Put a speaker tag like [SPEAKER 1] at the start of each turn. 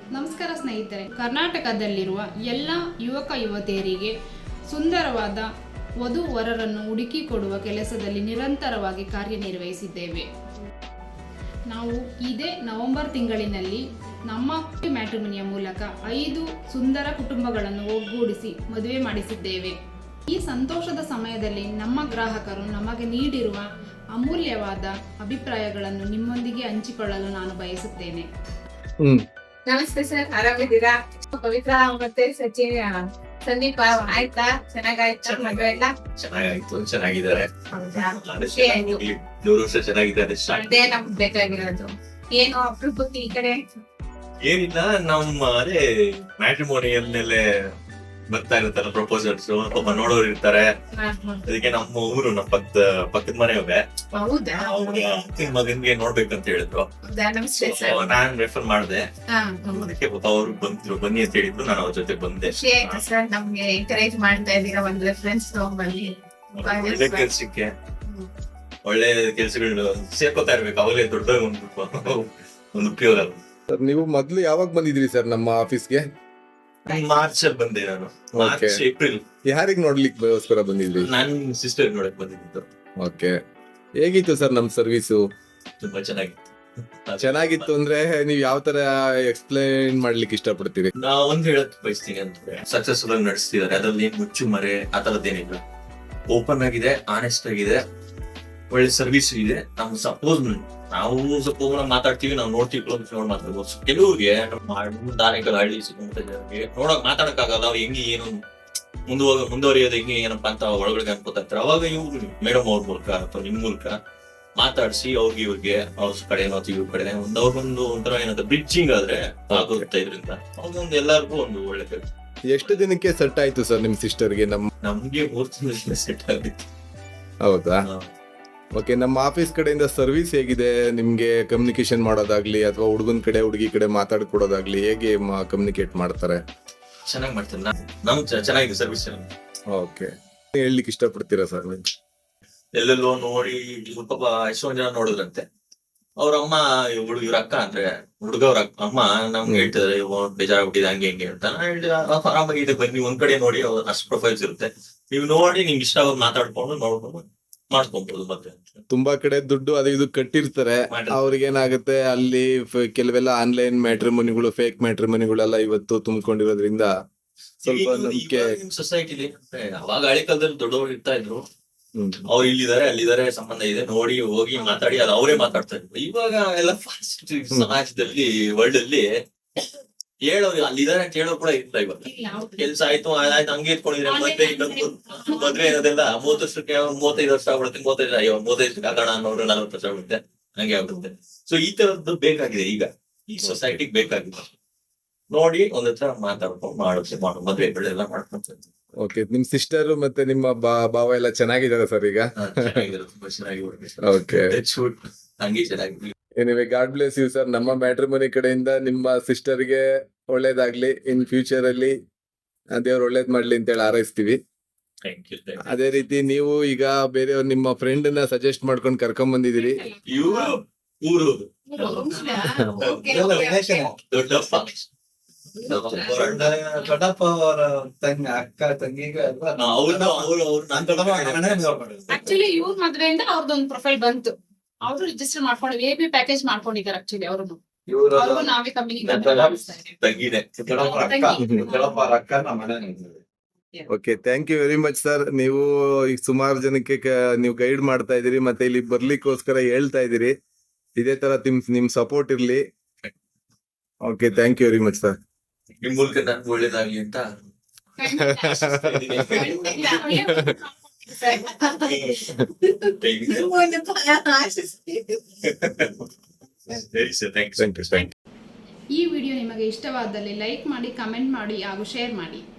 [SPEAKER 1] ನಮಸ್ಕಾರ ಸ್ನೇಹಿತರೆ, ಕರ್ನಾಟಕದಲ್ಲಿರುವ ಎಲ್ಲ ಯುವಕ ಯುವತಿಯರಿಗೆ ಸುಂದರವಾದ ವಧು ವರರನ್ನು ಹುಡುಕಿಕೊಡುವ ಕೆಲಸದಲ್ಲಿ ನಿರಂತರವಾಗಿ ಕಾರ್ಯನಿರ್ವಹಿಸಿದ್ದೇವೆ. ನಾವು ಇದೇ ನವೆಂಬರ್ ತಿಂಗಳಿನಲ್ಲಿ ನಮ್ಮ ಮ್ಯಾಟ್ರಿಮೋನಿಯ ಮೂಲಕ 5 ಸುಂದರ ಕುಟುಂಬಗಳನ್ನು ಒಗ್ಗೂಡಿಸಿ ಮದುವೆ ಮಾಡಿಸಿದ್ದೇವೆ. ಈ ಸಂತೋಷದ ಸಮಯದಲ್ಲಿ ನಮ್ಮ ಗ್ರಾಹಕರು ನಮಗೆ ನೀಡಿರುವ ಅಮೂಲ್ಯವಾದ ಅಭಿಪ್ರಾಯಗಳನ್ನು ನಿಮ್ಮೊಂದಿಗೆ ಹಂಚಿಕೊಳ್ಳಲು ನಾನು ಬಯಸುತ್ತೇನೆ.
[SPEAKER 2] ನಮಸ್ತೆ ಸರ್, ಆರಾಮಿದ್ದೀರಾ? ಪವಿತ್ರ ಮತ್ತೆ ಸಚಿನ್ ಸಂದೀಪ ಆಯ್ತಾ? ಚೆನ್ನಾಗಾಯ್ತಾ ಮದುವೆ ಎಲ್ಲ?
[SPEAKER 3] ಚೆನ್ನಾಗಿದ್ದಾರೆ. 100 ವರ್ಷ ಚೆನ್ನಾಗಿದ್ದಾರೆ.
[SPEAKER 2] ಅದೇ ನಮ್ಗೆ ಬೇಕಾಗಿರೋದು. ಏನು ಅಪರೂಪಕ್ಕೆ ಈ ಕಡೆ?
[SPEAKER 3] ಏನಿಲ್ಲ, ನಮ್ಮ ಅದೇ ಮ್ಯಾಟ್ರಿಮೋನಿಯಲ್ ಮೇಲೆ ಬರ್ತಾ ಇರುತ್ತಲ್ಲ ಪ್ರಪೋಸಲ್ಸ್, ಪಾಪ ನೋಡೋರು ಇರ್ತಾರೆ. ಅದಕ್ಕೆ ನಮ್ಮ ಊರು ನಮ್ಮ ಪಕ್ಕದ ಮನೆಯವೇ
[SPEAKER 2] ಹೌದಾ?
[SPEAKER 3] ಮಗನ್ಗೆ ನೋಡ್ಬೇಕಂತ ಹೇಳಿದ್ರು.
[SPEAKER 2] ನಮಸ್ತೆ ಸರ್.
[SPEAKER 3] ನಾನ್ ರೆಫರ್ ಮಾಡಿದೆ. ಅದಕ್ಕೆ ಪಾಪ ಅವ್ರು ಬಂದ್ರು, ಬನ್ನಿ ಅಂತ ಹೇಳಿದ್ರು. ನಾನು ಅವ್ರ ಜೊತೆ ಬಂದೆ.
[SPEAKER 2] ಖುಷಿ ಆಯ್ತು ಸರ್, ನಮ್ಗೆ ಎಂಕರೇಜ್ ಮಾಡ್ತಾ ಇದ್ದೀರಾ. ಒಂದು ರೆಫರೆನ್ಸ್ ತಗೊಂಡ್ಬನ್ನಿ.
[SPEAKER 3] ಒಳ್ಳೆ ಕೆಲ್ಸಕ್ಕೆ ಒಳ್ಳೆ ಕೆಲ್ಸಗಳು ಸೇರ್ಕೋತಾ ಇರ್ಬೇಕು. ಅವಾಗಲೇ ದೊಡ್ಡ ಒಂದು ಉಪಯೋಗ.
[SPEAKER 4] ನೀವು ಮೊದ್ಲು ಯಾವಾಗ ಬಂದಿದ್ರಿ ಸರ್ ನಮ್ಮ ಆಫೀಸ್ಗೆ?
[SPEAKER 3] ಮಾರ್ಚ್ ಅಲ್ಲಿ ಬಂದೆ ನಾನು. March April.
[SPEAKER 4] ಯಾರಿಗ್ ನೋಡ್ಲಿಕ್ಕೋಸ್ಕರ ಬಂದಿದ್ರಿ?
[SPEAKER 3] ನಾನು ಸಿಸ್ಟರ್ ನೋಡಕ್ ಬಂದಿದ್ದು.
[SPEAKER 4] ಓಕೆ, ಹೇಗಿತ್ತು ಸರ್ ನಮ್ ಸರ್ವಿಸು?
[SPEAKER 3] ತುಂಬಾ
[SPEAKER 4] ಚೆನ್ನಾಗಿತ್ತು ಅಂದ್ರೆ ನೀವ್ ಯಾವ ತರ ಎಕ್ಸ್ಪ್ಲೈನ್ ಮಾಡ್ಲಿಕ್ಕೆ ಇಷ್ಟಪಡ್ತೀರಿ?
[SPEAKER 3] ನಾ ಒಂದ್ ಹೇಳಕ್ ಬಯಸ್ತೀನಿ ಅಂದ್ರೆ, ಸಕ್ಸಸ್ಫುಲ್ ಆಗಿ ನಡೆಸ್ತಿದ್ದಾರೆ. ಅದ್ರಲ್ಲಿ ಏನ್ ಮುಚ್ಚು ಮರೆ ಆ ತರದ್ದೇನಿಲ್ಲ. ಓಪನ್ ಆಗಿದೆ, ಆನೆಸ್ಟ್ ಆಗಿದೆ, ಒಳ್ಳೆ ಸರ್ವಿಸ್ ಇದೆ. ನಮ್ಗೆ ನಾವು ಸಪೋಸ್ ಮಾತಾಡ್ತೀವಿ, ನಾವು ನೋಡ್ತೀವಿ, ಮಾತಾಡ್ಬೋದು. ಕೆಲವ್ರಿಗೆ ದಾನಿಕಲ್ ಹಳ್ಳಿ ನೋಡಕ್ ಮಾತಾಡಕ್ ಆಗಲ್ಲ. ಅವ್ರು ಹೆಂಗೆ ಏನು ಮುಂದುವರಿಯೋದು ಹೆಂಗೆ ಏನಪ್ಪಾ ಅಂತ ಒಳಗಡೆ ಅನ್ಕೋತಾ ಇರ್ತಾರೆ. ಅವಾಗ ಇವ್ರು ಮೇಡಮ್ ಅವ್ರ ಮೂಲಕ ಅಥವಾ ನಿಮ್ ಮೂಲಕ ಮಾತಾಡ್ಸಿ ಇವ್ರಿಗೆ ಅವ್ರ ಕಡೆ ಇವ್ರ ಕಡೆ ಅವ್ರಿಗೊಂದು ಒಂಥರ ಏನಾದ್ರು ಬ್ರಿಡ್ಜಿಂಗ್ ಆದ್ರೆ ಆಗುತ್ತೆ. ಇದರಿಂದ ಅವ್ರಿಗೊಂದು ಎಲ್ಲರಿಗೂ ಒಂದು ಒಳ್ಳೆ ಕೆಲಸ.
[SPEAKER 4] ಎಷ್ಟು ದಿನಕ್ಕೆ ಸೆಟ್ ಆಯ್ತು ಸರ್ ನಿಮ್ ಸಿಸ್ಟರ್ಗೆ?
[SPEAKER 3] ನಮ್ಗೆ 3 ತಿಂಗಳು ಸೆಟ್ ಆಗಿತ್ತು.
[SPEAKER 4] ಹೌದಾ? ಓಕೆ, ನಮ್ಮ ಆಫೀಸ್ ಕಡೆಯಿಂದ ಸರ್ವಿಸ್ ಹೇಗಿದೆ ನಿಮ್ಗೆ? ಕಮ್ಯುನಿಕೇಶನ್ ಮಾಡೋದಾಗ್ಲಿ ಅಥವಾ ಹುಡುಗನ್ ಕಡೆ ಹುಡುಗಿ ಕಡೆ ಮಾತಾಡ್ಕೊಡೋದಾಗ್ಲಿ ಹೇಗೆ ಕಮ್ಯುನಿಕೇಟ್ ಮಾಡ್ತಾರೆ?
[SPEAKER 3] ಚೆನ್ನಾಗಿ ಮಾಡ್ತಾರೆ. ನಮ್ ಚೆನ್ನಾಗಿದೆ ಸರ್ವಿಸ್.
[SPEAKER 4] ಓಕೆ, ಹೇಳ್ಲಿಕ್ಕೆ ಇಷ್ಟಪಡ್ತೀರಾ ಸರ್?
[SPEAKER 3] ಎಲ್ಲೆಲ್ಲೋ ನೋಡಿ ಸ್ವಲ್ಪ ಎಷ್ಟೊಂದ್ ಜನ ನೋಡಿದ್ರಂತೆ. ಅವ್ರ ಅಮ್ಮ ಇವ್ರ ಅಕ್ಕ ಅಂದ್ರೆ ಹುಡುಗ ಅವ್ರ ಅಮ್ಮ ನಮ್ಗೆ ಹೇಳ್ತಿದ್ರೆ ಬೇಜಾರಾಗ್ಬಿಟ್ಟಿದೆ ಹಂಗೆ ಹಿಂಗೆ ಅಂತ. ನಾನು ಹೇಳಿದ ಆರಾಮಾಗಿದೆ, ಬನ್ನಿ ಒಂದ್ ಕಡೆ ನೋಡಿ. ಅಷ್ಟು ಪ್ರೊಫೈಲ್ಸ್ ಇರುತ್ತೆ, ನೀವು ನೋಡಿ ನಿಮ್ಗೆ ಇಷ್ಟ ಆಗೋದು ಮಾತಾಡ್ಕೊಂಡು ನೋಡ್ಕೊಂಡು ಮಾಡ್ಕೊಬಹುದು. ಮತ್ತೆ
[SPEAKER 4] ತುಂಬಾ ಕಡೆ ದುಡ್ಡು ಅದು ಇದು ಕಟ್ಟಿರ್ತಾರೆ. ಅವ್ರಿಗೆ ಏನಾಗುತ್ತೆ, ಅಲ್ಲಿ ಕೆಲವೆಲ್ಲ ಆನ್ಲೈನ್ ಮ್ಯಾಟ್ರಿಮೋನಿಗಳು, ಫೇಕ್ ಮ್ಯಾಟ್ರಿಮೋನಿಗಳೆಲ್ಲ ಇವತ್ತು ತುಂಬಿಕೊಂಡಿರೋದ್ರಿಂದ ಸ್ವಲ್ಪ ನಂಬಿಕೆ
[SPEAKER 3] ಸೊಸೈಟಿಲಿ. ಅವಾಗ ಹಳೆ ಕಾಲದಲ್ಲಿ ದೊಡ್ಡವರು ಇರ್ತಾ ಇದ್ರು, ಅವ್ರು ಇಲ್ಲಿದ್ದಾರೆ ಅಲ್ಲಿದ್ದಾರೆ ಸಂಬಂಧ ಇದೆ ನೋಡಿ ಹೋಗಿ ಮಾತಾಡಿ ಅದು ಅವರೇ ಮಾತಾಡ್ತಾ ಇದ್ರು. ಇವಾಗ ಎಲ್ಲ ಫಾಸ್ಟ್ ಸಮಾಜದಲ್ಲಿ ವರ್ಲ್ಡ್ ಅಲ್ಲಿ ಹೇಳೋರು ಅಲ್ಲಿದ್ದಾರೆ ಅಂತ ಹೇಳೋ ಕೂಡ ಇಲ್ಲ. ಇವಾಗ ಕೆಲ್ಸ ಆಯ್ತು ಹಂಗೆ ಇಟ್ಕೊಂಡಿದ್ರೆ ಮದ್ವೆ ಅನ್ನೋದೆಲ್ಲ 30 ವರ್ಷಕ್ಕೆ 35 ವರ್ಷ ಆಗ್ಬಿಡುತ್ತೆ. 35 ವರ್ಷಕ್ಕೆ ಆಗೋಣ ಅನ್ನೋರು 40 ವರ್ಷ ಆಗ್ಬಿಡುತ್ತೆ, ಹಂಗೆ ಆಗ್ಬಿಡುತ್ತೆ. ಸೊ ಈ ತರದ್ದು ಬೇಕಾಗಿದೆ ಈಗ ಈ ಸೊಸೈಟಿಗೆ ಬೇಕಾಗಿದೆ. ನೋಡಿ ಒಂದ್ ಹತ್ರ ಮಾತಾಡ್ಕೊಂಡು ಮಾಡು ಮದ್ವೆಗಳೆಲ್ಲ ಮಾಡ್ಕೊಂತ.
[SPEAKER 4] ಓಕೆ, ನಿಮ್ ಸಿಸ್ಟರ್ ಮತ್ತೆ ನಿಮ್ಮ ಭಾವ ಎಲ್ಲ ಚೆನ್ನಾಗಿದ್ದಾರೆ ಸರ್ ಈಗ?
[SPEAKER 3] ತುಂಬಾ ಚೆನ್ನಾಗಿ.
[SPEAKER 4] ಓಕೆ,
[SPEAKER 3] ಹಂಗೆ ಚೆನ್ನಾಗಿ.
[SPEAKER 4] Anyway, god bless you sir. ನಮ್ಮ ಮ್ಯಾಟ್ರಿಮೋನಿ ಕಡೆಯಿಂದ ನಿಮ್ಮ ಸಿಸ್ಟರ್ಗೆ ಒಳ್ಳೇದಾಗ್ಲಿ. ಇನ್ ಫ್ಯೂಚರ್ ಅಲ್ಲಿ ದೇವ್ರು ಒಳ್ಳೇದ್ ಮಾಡ್ಲಿ ಅಂತೇಳಿ ಹಾರೈಸ್ತೀವಿ. ಅದೇ ರೀತಿ ನೀವು ಈಗ ಬೇರೆಯವ್ರು ನಿಮ್ಮ ಫ್ರೆಂಡ್ ನ ಸಜೆಸ್ಟ್ ಮಾಡ್ಕೊಂಡು ಕರ್ಕೊಂಡ್ ಬಂದಿದ್ದೀರಿ.
[SPEAKER 5] ದೊಡ್ಡಪ್ಪ ಅವರ ಅಕ್ಕ ತಂಗಿಗೆ
[SPEAKER 2] ಆಕ್ಚುಲಿ ಇವ್ರ ಮದ್ವೆಯಿಂದ ಅವ್ರದೊಂದು ಪ್ರೊಫೈಲ್ ಬಂತು. ಅವರು ರಿಜಿಸ್ಟರ್ ಮಾಡ್ಕೊಂಡು AB ಪ್ಯಾಕೇಜ್ ಮಾಡ್ಕೊಂಡಿದ್ದಾರೆ. ಆಕ್ಚುಲಿ ಅವ್ರನ್ನು ನಾವೇ
[SPEAKER 4] okay, thank you very much sir. ನೀವು ಈಗ ಸುಮಾರು ಜನಕ್ಕೆ ನೀವು ಗೈಡ್ ಮಾಡ್ತಾ ಇದೀರಿ, ಮತ್ತೆ ಇಲ್ಲಿ ಬರ್ಲಿಕ್ಕೋಸ್ಕರ ಹೇಳ್ತಾ ಇದೀರಿ. ಇದೇ ತರ ನಿಮ್ ಸಪೋರ್ಟ್ ಇರ್ಲಿ. Okay, thank you very much sir.
[SPEAKER 3] ನಿಮ್ ಮೂಲಕ ನನ್ಗೆ ಒಳ್ಳೇದಾಗ್ಲಿ ಅಂತ
[SPEAKER 1] ಈ ವಿಡಿಯೋ ನಿಮಗೆ ಇಷ್ಟವಾದಲ್ಲಿ ಲೈಕ್ ಮಾಡಿ, ಕಮೆಂಟ್ ಮಾಡಿ ಹಾಗೂ ಶೇರ್ ಮಾಡಿ.